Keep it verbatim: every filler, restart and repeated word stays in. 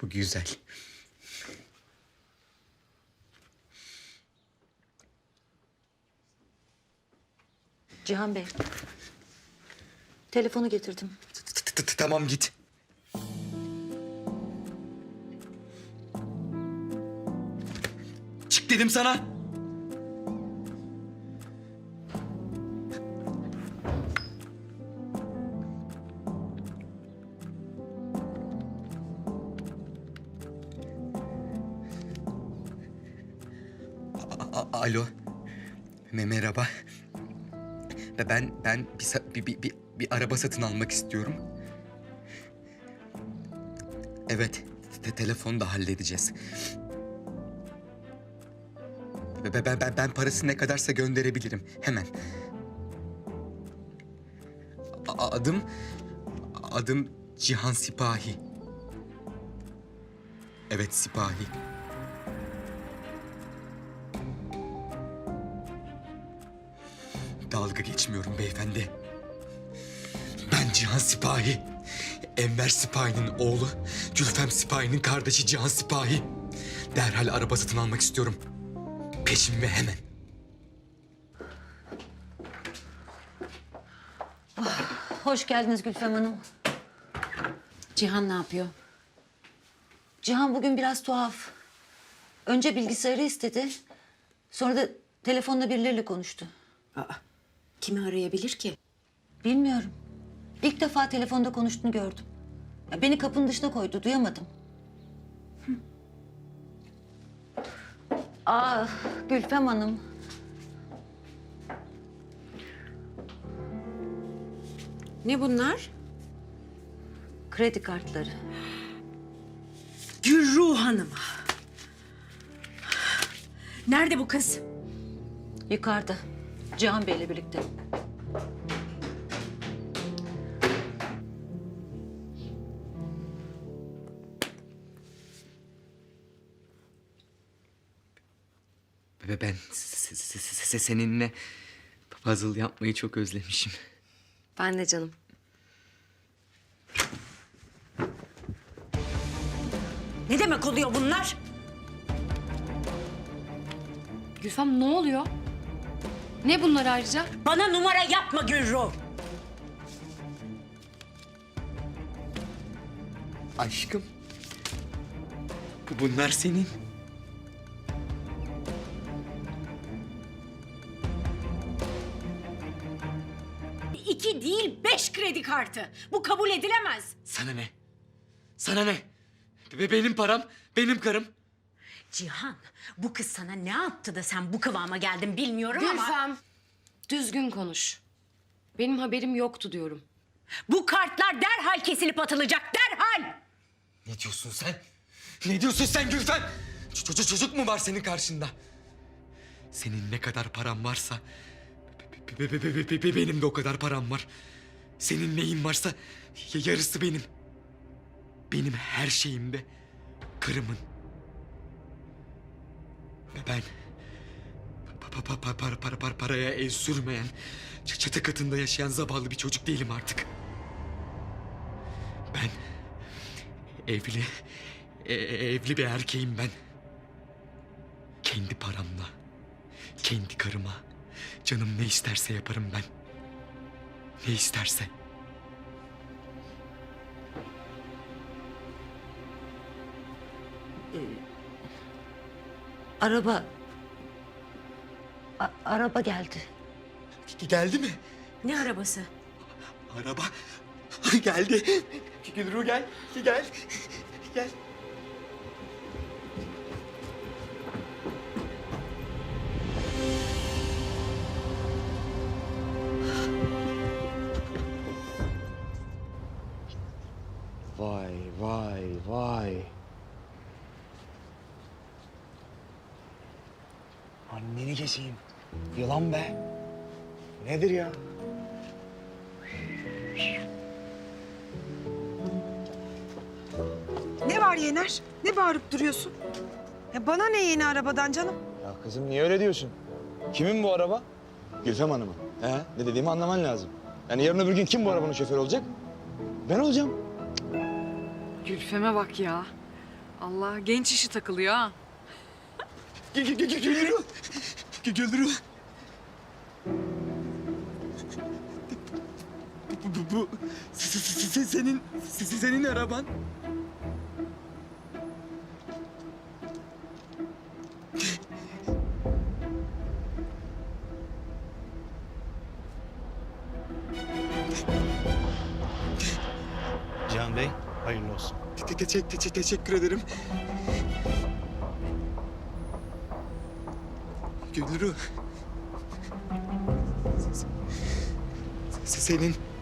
Bu güzel. Cihan Bey. Telefonu getirdim. Tamam git. Çık dedim sana. A- a- Alo. Me- Merhaba. Ve Ben ben bir, sa- bir, bir, bir, bir araba satın almak istiyorum. Evet, te telefonu da halledeceğiz. Ve ben, ben, ben parası ne kadarsa gönderebilirim hemen. A- adım adım Cihan Sipahi. Evet, Sipahi. Dalga geçmiyorum beyefendi. Ben Cihan Sipahi. Enver Sipahi'nin oğlu, Gülfem Sipahi'nin kardeşi Cihan Sipahi. Derhal araba satın almak istiyorum. Peşin ve hemen. Hoş geldiniz Gülfem Hanım. Cihan ne yapıyor? Cihan bugün biraz tuhaf. Önce bilgisayarı istedi. Sonra da telefonla birileriyle konuştu. Aa, kimi arayabilir ki? Bilmiyorum. İlk defa telefonda konuştuğunu gördüm. Ya beni kapının dışına koydu, duyamadım. Hı. Aa, Gülfem Hanım. Ne bunlar? Kredi kartları. Gülruh Hanım. Nerede bu kız? Yukarıda. Cihan Bey'le birlikte. Ve ben se- se- se- seninle puzzle yapmayı çok özlemişim. Ben de canım. Ne demek oluyor bunlar? Gülfem ne oluyor? Ne bunlar ayrıca? Bana numara yapma Gülruh. Aşkım. Bu bunlar senin. İki değil beş kredi kartı. Bu kabul edilemez. Sana ne? Sana ne? Be benim param, benim karım. Cihan, bu kız sana ne yaptı da sen bu kıvama geldin bilmiyorum ama... Gülfem, düzgün konuş. Benim haberim yoktu diyorum. Bu kartlar derhal kesilip atılacak, derhal! Ne diyorsun sen? Ne diyorsun sen Gülfem? Çocuk çocuk mu var senin karşında? Senin ne kadar paran varsa be- be- be- be- be- be- benim de o kadar param var. Senin neyin varsa y- yarısı benim. Benim her şeyim de karımın. Ve ben pa- pa- pa- para, para, para, paraya el sürmeyen, ç- çatı katında yaşayan zavallı bir çocuk değilim artık. Ben evli, e- e- evli bir erkeğim ben. Kendi paramla, kendi karıma, canım ne isterse yaparım ben. Ne isterse. Araba... A- araba geldi. Geldi mi? Ne arabası? Araba geldi. Gülru gel, gel, gel. Vay vay vay. Anneni keseyim. Yılan be. Nedir ya? Ne var Yener? Ne bağırıp duruyorsun? Ya bana ne yeni arabadan canım? Ya kızım niye öyle diyorsun? Kimin bu araba? Gülfem Hanım'ın. He? Ne dediğimi anlaman lazım. Yani yarın öbür gün kim bu arabanın şoförü olacak? Ben olacağım. Gülfem'e bak ya. Allah genç işi takılıyor ha. Gülürü. Gülürü. Bu, bu, bu se- se- se- senin se- senin araban. Cihan Bey, hayırlı olsun. Te- te- te- te- teşekkür ederim. Gülürü. Se- se- Senin